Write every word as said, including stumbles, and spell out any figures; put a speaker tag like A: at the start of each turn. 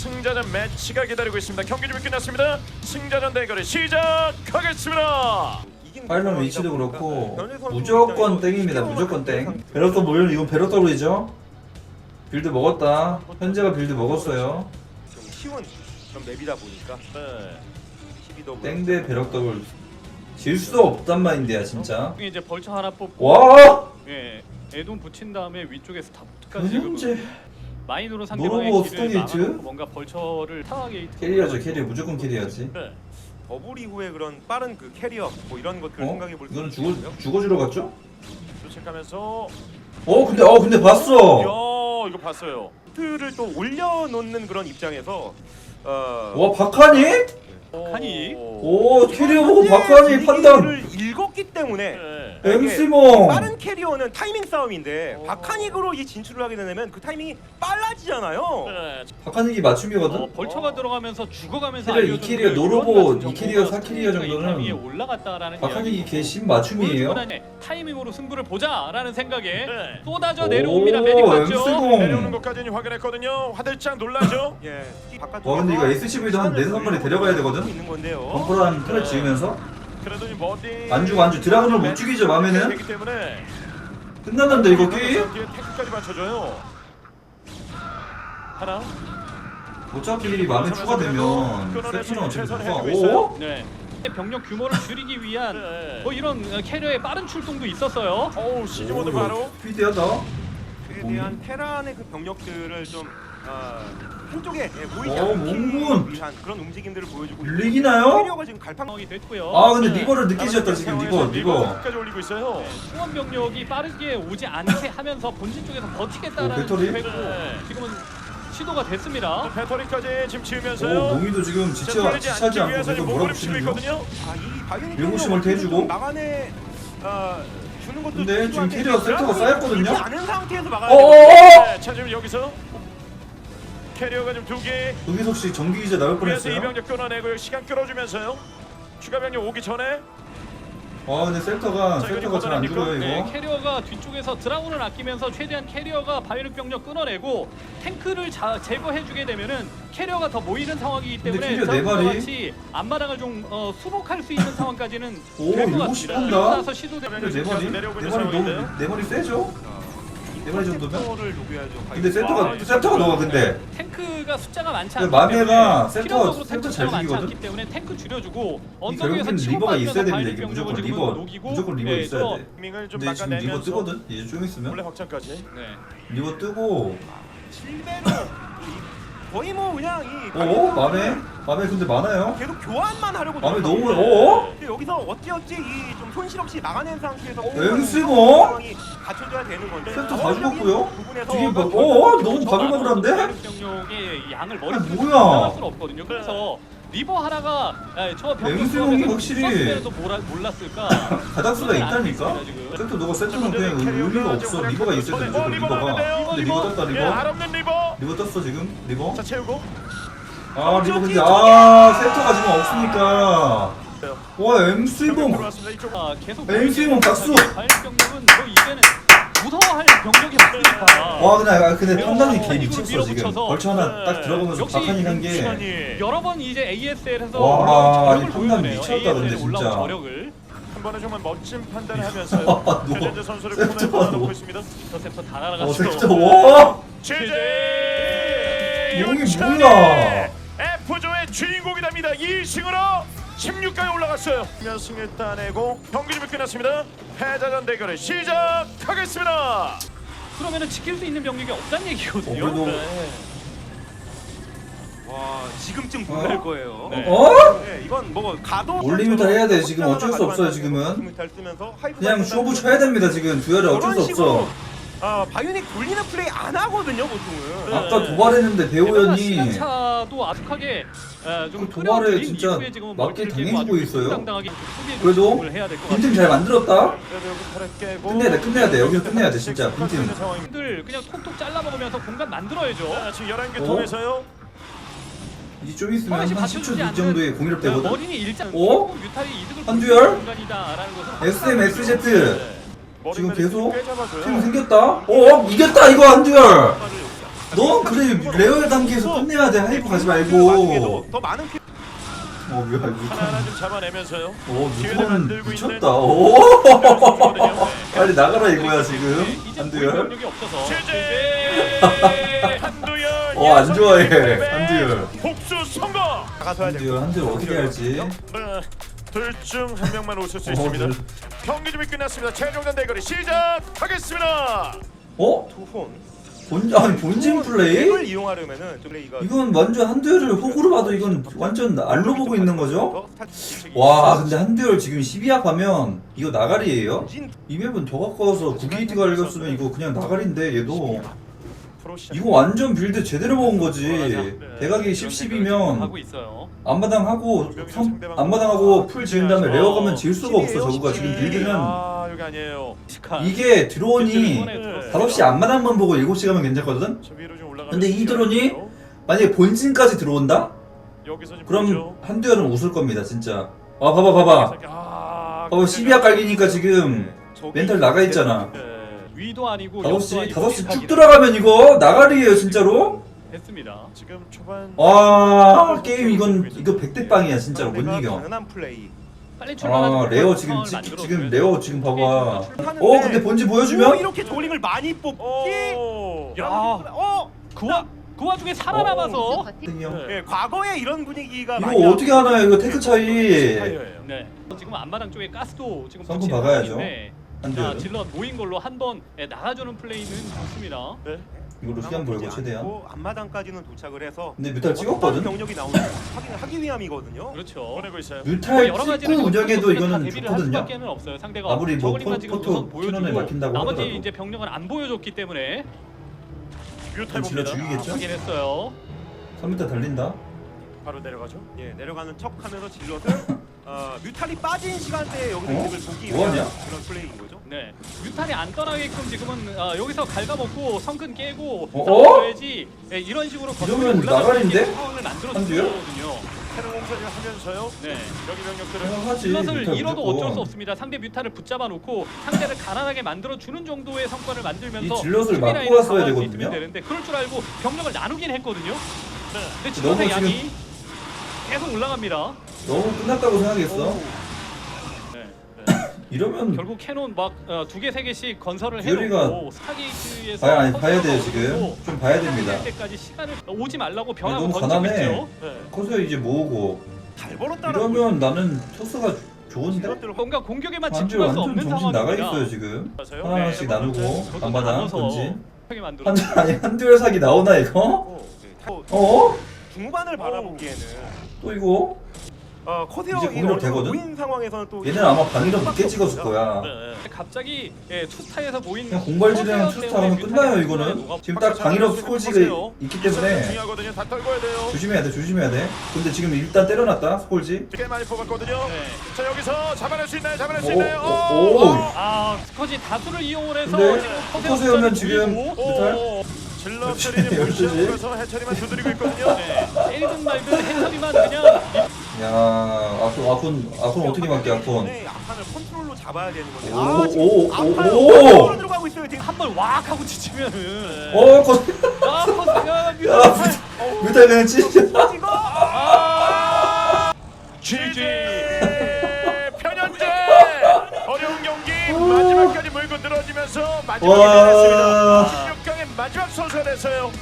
A: 승자전 매치가 기다리고 있습니다. 경기 준비 끝났습니다. 승자전 대결을 시작하겠습니다.
B: 파일럿 위치도 그렇고 무조건 땡입니다. 무조건 땡. 베럭더 모여는 이건 베럭더블이죠. 빌드 먹었다. 현재가 빌드 먹었어요.
C: 좀 쉬운 그런 맵이다 보니까
A: 네.
C: 십이
B: 땡대 베럭더블 질 수 없단 말인데요 진짜.
D: 이제 벌처 하나 뽑고
B: 와!
D: 예, 애돈 붙인 다음에 위쪽에서 스타포트까지 지금
B: 현재
D: 마인으로
B: 노로보
D: 상대방의
B: 스톤
D: 길을
B: 게이트?
D: 막아놓고 뭔가 벌처를 타워 게이트
B: 캐리어죠 캐리어. 무조건 캐리어지.
A: 네.
C: 버블 이후에 그런 빠른 그 캐리어 뭐 이런 것들을
B: 어?
C: 생각해 볼 수
B: 이거는
C: 있고요.
B: 죽어 죽어주러 갔죠?
A: 도착하면서
B: 어 근데 어 근데 봤어.
A: 야 이거 봤어요.
C: 트를 또 올려놓는 그런 입장에서 어,
B: 와 박하니?
D: 박하니?
B: 오 캐리어 보고 박하니 판단.
C: 를 읽었기 때문에
A: 네.
B: 엠씨몽.
C: 빠른 캐리어는 타이밍 싸움인데
A: 오.
C: 박하닉으로 이 진출을 하게 되면 그 타이밍이 빨라지잖아요.
A: 네.
B: 박하닉이 맞춤이거든.
D: 어, 벌처가
A: 어.
D: 들어가면서 죽어가면서
B: 캐리어 이
D: 알려주는
B: 캐리어
D: 그
B: 노로보
D: 이런 같은
B: 이 캐리어
D: 정보가
B: 사 캐리어
D: 스토리가
B: 정도는
D: 이 위에 올라갔다라는
B: 박하닉이
D: 이야기고.
B: 개심 맞춤이에요.
D: 보여주고 타이밍으로 승부를 보자라는 생각에
A: 네.
D: 쏟아져
B: 오,
D: 내려옵니다. 메딕 봤죠?
B: 엠씨공.
A: 내려오는 것까지는 확인했거든요. 화들짝 놀라죠.
C: 예.
B: 와 근데 이거 에스씨브이도 한 네다섯 마리 데려가야 되거든?
C: 있는 건데요.
B: 벙커랑 틀에 지으면서
A: 그래도 이 머리
B: 안 주고 안 주. 드라군을 못 죽이죠 맘에는.
A: 되기 때문에
B: 끝났는데 이거 게임?
A: 뒤에 태클까지 맞춰줘요. 하나.
B: 어차피 맘에 추가되면 세트는 어차피 누가 오?
D: 네. 병력 규모를 줄이기 위한
A: 네.
D: 뭐 이런 캐리어의 빠른 출동도 있었어요.
A: 어우 시즈모드 바로.
B: 스피드하다.
C: 그에 대한 테란의 그 병력들을 좀 어, 한쪽에 예, 모이지
B: 어,
C: 않기
B: 몽군.
C: 위한 그런 움직임들을 보여주고
B: 밀리기나요?
C: 캐리어가 지금 갈팡
D: 상황이 됐고요.
B: 아 근데
A: 네.
B: 리버를 늦게 지었다 지금 리버 리버.
A: 까지 올리고 있어요.
D: 충원 병력이 빠르게 오지 않게 하면서 본진 쪽에서 버티겠다라는
B: 오, 배터리?
D: 계획으로
A: 네.
D: 지금은 시도가 됐습니다.
A: 배터리까지 지금
B: 오
A: 지으면서요.
B: 농이도 지금 지쳐 지치지 않고 계속 몰아붙이는 중.
A: 있거든요.
C: 아, 이 바이오닉
B: 일곱 시 멀티 해주고.
C: 막아내 어, 주는 것도
B: 근데 지금
C: 필요한데
B: 캐리어 세트가 쌓였거든요?
C: 보이지 않은 상태에서 막아야
B: 어어어!
A: 네, 자 지금 여기서 캐리어가 좀 두 개.
B: 여기서 혹시 정기 기자 나올
A: 위에서
B: 뻔했어요?
A: 이병력 끊어내고 시간 끌어주면서요. 추가 병력 오기 전에
B: 아 근데 센터가
A: 자, 이거
B: 센터가 잘 안
A: 걷어냅니까?
B: 죽어요
D: 네,
B: 이거.
D: 캐리어가 뒤쪽에서 드라군을 아끼면서 최대한 캐리어가 바이오닉 병력 끊어내고 탱크를 자, 제거해주게 되면은 캐리어가 더 모이는 상황이기
B: 근데
D: 때문에
B: 캐리어 네 마리?
D: 같이 앞마당을 좀 어, 수복할 수 있는 상황까지는
B: 오,
D: 될 것
B: 일곱
D: 같습니다.
B: 시 한다?
D: 그러고 나서 시도되면
B: 근데 네 마리?
A: 내려오고
B: 네
A: 있는
B: 마리
A: 상황인데요.
B: 너무 네 마리 세죠? 네 마리 정도면?
C: 센터를 녹여야죠.
B: 근데 센터가 센터가 너가 근데
D: 탱크가 숫자가 많지
B: 근데
D: 않기
B: 마메가
D: 때문에
B: 센터-
D: 필요적으로
B: 센터
D: 탱크
B: 잘
D: 숫자가 많지
B: 죽이거든?
D: 않기 때문에 탱크 줄여주고
B: 이
D: 언덕 위에서
B: 결국엔
D: 치고
B: 리버가 있어야
D: 빠지면서
B: 됩니다.
D: 바이오닉
B: 이게
D: 병력을
B: 무조건
D: 지금
B: 리버
D: 녹이고
B: 무조건 리버
D: 네,
B: 있어야
D: 또
B: 돼.
A: 밍을 좀
B: 근데 지금 리버
A: 막아내면서
B: 뜨거든? 이제 좀
A: 원래
B: 있으면
A: 확장까지.
D: 네.
B: 리버 뜨고
C: 실베로 거의 뭐 그냥 이
B: 어? 맘에? 맘에 근데 많아요?
C: 계속 교환만 하려고
B: 맘에
C: 노력하고
B: 너무
C: 있는데
B: 어?
C: 근데 여기서 어찌어찌 이 좀 손실 없이 막아낸 상태에서
B: 엠씨몽?
C: 상황이 갖춰져야 되는 건데
B: 센터 다 죽었고요?
C: 부분에서
B: 뒤에 막 어? 너무 바글바글한데?
D: 바이오닉 병력의 양을 머리
B: 아니,
D: 끄고
B: 뭐야?
D: 나갈 수는 없거든요. 그래서 리버 하나가 에, 저 병력
B: 엠씨몽이
D: 조합에서
B: 확실히
D: 썼으면도 몰라, 몰랐을까?
B: 가닥수가 있다니까?
D: 있습니다, 지금.
B: 센터 너가 센터는 그냥 의미가 없어. 리버가 있어야 돼 무조건 리버가. 근데 리버 떴다
A: 예,
B: 리버.
A: 알없는 리버.
B: 리버 떴어 지금 리버.
A: 자 채우고.
B: 아 리버 근데 아 센터가 지금 없으니까. 와 엠씨몽.
A: 들어왔습니다. 이쪽.
D: 아, 계속
B: 엠씨몽 박수!
D: 바이오닉 병력은 뭐 이제는 무서워할 병력이 없으니까.
B: 와 근데 아, 근데
D: 어,
B: 판단이 개
D: 이걸
B: 미쳤어 지금.
D: 밀어붙여서.
B: 벌처 하나 딱 들어가면서
D: 역시
B: 박하니 한 게.
A: 시간이
D: 여러 번 이제 에이에스엘에서
B: 와,
D: 올라온
B: 아니,
D: 저력을
B: 판단
D: 보여주네요.
B: 미쳤다, 근데
D: 에이에스엘에 올라온
B: 진짜.
D: 저력을
A: 한 번에 정말 멋진 판단을 하면서요.
B: 너
A: 현재 선수를
B: 센터
A: 코너에
B: 너.
A: 넣고 있습니다.
D: 인터셉터 다
B: 어
D: 날아갔죠.
B: 센터 와.
A: 제제
B: 용이 뭐야?
A: F조의 주인공이 됩니다. 이 승으로 십육 강에 올라갔어요. 승을 따내고 경기 준비 끝났습니다. 패자전 대결을 시작하겠습니다.
D: 그러면은 지킬 수 있는 병력이 없다는 얘기거든요.
B: 어, 그래도-
D: 네.
C: 와 지금쯤 놀랄
B: 어?
C: 거예요.
A: 네.
B: 어?
C: 네, 이건 뭐 가도
B: 올리미터 해야 돼, 지금. 어쩔 수 없어요, 지금은. 그냥 쇼부 쳐야 됩니다 지금. 듀얼이 어쩔 수 없어.
C: 아 바이오닉 돌리는 플레이 안 하거든요 보통은.
A: 네.
B: 아까 도발했는데 배우연이
D: 시간차도 아득하게 에, 좀
B: 그 도발에
D: 끌어들인
B: 진짜
D: 이후에 지금
B: 맞게
D: 멀티를 깨고
B: 당해주고
D: 아주
B: 있어요.
D: 당당하게 수비에 좀
B: 그래도
D: 집중을 해야 될것
B: 빈틈
D: 같아요.
B: 잘 만들었다.
A: 그래도 여기 털에 깨고
B: 끝내야 돼, 끝내야 돼. 여기서 끝내야 돼, 진짜. 빈틈.
D: 들 그냥 톡톡 잘라 먹으면서 공간 만들어야죠.
A: 자, 지금 열한 개
B: 어?
A: 통해서요.
B: 이제 좀 있으면
D: 허가시
B: 한 십 초
D: 받쳐주지
B: 뒤
D: 않는
B: 정도에 공일업 되거든.
D: 머리니 일장
B: 어?
D: 뮤탈이 이득을
B: 한두열?
D: 보는 공간이다라는 것은
B: 에스엠,
D: 항상
B: 에스제트.
A: 머리
B: 지금
A: 메리트
B: 계속
A: 꽤 잡아줘요.
B: 팀 생겼다. 어 이겼다 이거 한두열. 넌 그래 레어의 단계에서 끝내야 돼. 하이프 가지 말고.
C: 와중에도 더 많은 피...
B: 어 뭐야
A: 하나하나
B: 유턴.
A: 좀 잡아내면서요.
B: 오
A: 기회를
B: 유턴은
A: 만들고
B: 미쳤다.
A: 있는
B: 오.
A: 선수거든요.
B: 빨리 나가라 이거야 지금.
D: 네, 이제
B: 한두열.
D: 공격력이 없어서
A: 제재 한두열.
B: 어, 안 좋아해,
A: 예선배
B: 한두열.
A: 복수 성공.
C: 나가서야 될
B: 한두열 한두열 어떻게 할지.
A: 둘 중 한 명만 웃을 수
B: 어,
A: 있습니다.
B: 둘.
A: 경기 준비 끝났습니다. 최종전 대결이 시작하겠습니다.
B: 어?
C: 투혼.
B: 본 아니 본진 플레이?
C: 을 이용하려면은 좀 플레이가
B: 이건 완전 한두열을 호구로 봐도 이건 완전 알로 보고 있는 거죠? 와 근데 한두열 지금 십이 합 하면 이거 나가리예요? 이 맵은 더 가까워서 구 게이트 갈렸으면 이거 그냥 나가리인데 얘도 이거 완전 빌드 제대로 먹은 거지. 대각이 십, 십이면
D: 하고 있어요.
B: 앞마당 하고 성, 앞마당 하고 풀 지은 다음에 레어 가면 질 수가 없어. 저거가 지금 빌드는
A: 아 여기 아니에요.
B: 이게 드론이 다섯 시 앞마당만 보고 일곱 시 가면 괜찮거든?
A: 저 위로 좀 올라가면
B: 근데 이 드론이
A: 되겠고요.
B: 만약에 본진까지 들어온다?
A: 여기서 지금
B: 그럼
A: 보죠.
B: 한두열은 웃을 겁니다 진짜. 아 봐봐 봐봐
A: 아,
B: 봐봐 십이 합 깔기니까 지금 멘탈 나가 있잖아.
A: 네.
D: 위도 아니고
B: 다섯
D: 옆도
B: 시
D: 아니고
B: 다섯 시 쭉
D: 뒷박이다.
B: 들어가면 이거 나가리예요 진짜로.
D: 됐습니다.
A: 지금 초반
B: 와 게임 이건 이거 백대 빵이야 진짜로 못 이겨.
C: 가능한 플레이.
D: 빨리 출발하는
B: 아 레어 지금
D: 상황을
B: 지,
D: 만들어줘야
B: 지금
D: 돼요.
B: 레어 지금 봐봐.
C: 하는데
B: 어 근데 본지
C: 오,
B: 보여주면
C: 이렇게 조링을 많이 뽑기.
A: 오.
D: 야.
C: 어,
D: 그, 와, 그 와중에 살아남아서
B: 형.
C: 예, 과거에 이런 분위기가 많이
B: 이거 어떻게 하나요 이거 테크 차이.
A: 타이어예요.
D: 네. 지금 앞마당 쪽에 가스도 지금
B: 성큼
D: 붙이는
B: 박아야죠.
D: 상황인데 자,
B: 한두열
D: 질럿 모인 걸로 한번 예, 나가주는 플레이는 좋습니다.
A: 네.
B: 이걸로 시간 벌고 최대한.
C: 앞마당까지는 도착을 해서
B: 근데 뮤탈
C: 어떤
B: 찍었거든.
C: 병력이 나오는지 확인하기 위함이거든요.
D: 그렇죠.
A: 보내고 있어요.
B: 뮤탈
D: 여러
B: 찍고
D: 가지를 지금
B: 운영해도
D: 선수들은 다
B: 이거는
D: 대비를 할
B: 좋거든요.
D: 수밖에는 없어요. 상대가
B: 아무리 뭐
D: 저글링만
B: 포-
D: 지금
B: 포토
D: 우선
B: 캐논에
D: 보여주고
B: 막힌다고
D: 나머지
B: 하더라도.
D: 이제 병력은 안 보여줬기 때문에
A: 뮤탈
B: 질러
A: 봅니다.
B: 죽이겠죠?
D: 확인했어요.
B: 삼 미터 달린다.
A: 바로 내려가죠.
C: 예, 내려가는 척하면서 질럿을 어, 뮤탈이 빠진 시간대에 여기서
B: 어?
C: 이득을 보기
B: 뭐하냐?
C: 위한 그런 플레이인 거죠.
D: 네, 뮤탈이 안 떠나게끔 지금은 아, 여기서 갉아먹고 성큰 깨고
B: 어?
D: 싸워야지 예, 이런 식으로
B: 이러면
D: 올라갈 수
B: 나가린데?
D: 있는 상황을 만들어주는
B: 한두열?
D: 거거든요.
A: 캐논 공사를 하면서요.
D: 네.
A: 여기 병력들을
B: 생각하지.
D: 질럿을
B: 뮤탈
D: 잃어도
B: 무조건.
D: 어쩔 수 없습니다. 상대 뮤탈을 붙잡아 놓고 상대를 가난하게 만들어 주는 정도의 성과를 만들면서
B: 이 질럿을
D: 수비
B: 막고
D: 라인을
B: 왔어야
D: 강화할 수
B: 되거든요.
D: 있으면 되는데 그럴 줄 알고 병력을 나누긴 했거든요.
A: 네.
D: 근데
B: 너무
D: 질럿의
B: 지금-
D: 양이 계속 올라갑니다.
B: 너무 끝났다고 생각했어.
D: 네.
B: 이러면
D: 결국 캐논 막 두 개 세 개씩 건설을
B: 듀얼이가
D: 해놓고 스타게이트에서
B: 봐야 아니 봐야 돼요
D: 커세어가
B: 지금.
D: 오고
B: 좀 봐야 됩니다.
D: 될 때까지 시간을 오지 말라고 변하고
B: 너무
D: 던지고
B: 가난해.
D: 있죠.
A: 네.
B: 커서 이제 모으고
C: 잘 벌었다라고.
B: 이러면 나는 토스가 좋은데.
C: 질럿들을
D: 뭔가 공격에만
B: 완전
D: 집중할 수
B: 완전
D: 없는
B: 정신 나가
D: 상황입니다.
B: 있어요 지금.
A: 맞아요.
B: 하나씩
A: 네,
B: 나누고
D: 저도
B: 앞마당
D: 나눠서
B: 던진.
D: 편하게 만들어.
B: 한 아니 한두열 사기 나오나 이거?
C: 어, 네, 어,
B: 어?
C: 중반을 바라보기에는
B: 또 이거?
C: 어, 커세어
B: 이제 공격 되거든?
C: 모인 상황에서는 또
B: 얘는 아마 방위력 늦게 찍었을 거야.
A: 네.
D: 갑자기 예, 투스타에서 모인
B: 그냥 공발질이랑
D: 커세어
B: 투스타 하면
D: 때문에
B: 끝나요
D: 뮤탈이
B: 이거는.
D: 녹아-
B: 지금 딱 방위력 스콜지가 있기 때문에
A: 중요하거든요. 다 떨궈야 돼요.
B: 조심해야 돼 조심해야 돼. 근데 지금 일단 때려놨다 스콜지.
A: 꽤 많이 뽑았거든요.
D: 네.
A: 자 여기서 잡아낼 수 있나요? 잡아낼 수
B: 오,
A: 있나요?
B: 오,
A: 오,
B: 오.
D: 아 스커지 다수를 이용을 해서
B: 근데
D: 지금
B: 커세어면
D: 숫자를
B: 지금
D: 보이고,
B: 뮤탈?
A: 오, 질럿들이
B: 열두 시.
A: 무시하면서 해처리만 두드리고 있거든요.
D: 네, 때리든 말든 해처리만 그냥
B: 야 아군 아군 아군 어떻게 막게 아군.
C: 네, 앞판을 컨트롤로 잡아야 되는 건데.
B: 오,
C: 아, 지금
B: 오, 오,
C: 앞판을
B: 오.
C: 컨트롤로 들어가고 있어요. 지금.
D: 한 번 왁 하고 지치면은
B: 어 커.
D: 아 커세어
B: 야
D: 뮤탈
B: 뮤탈 그냥 찢어.
C: 찍어.
D: 아
A: 지지 편현재 어려운 경기 마지막까지 물고 늘어지면서 마지막에
B: 와.
A: 내렸습니다. 십육 강의 마지막 선수가 됐어요.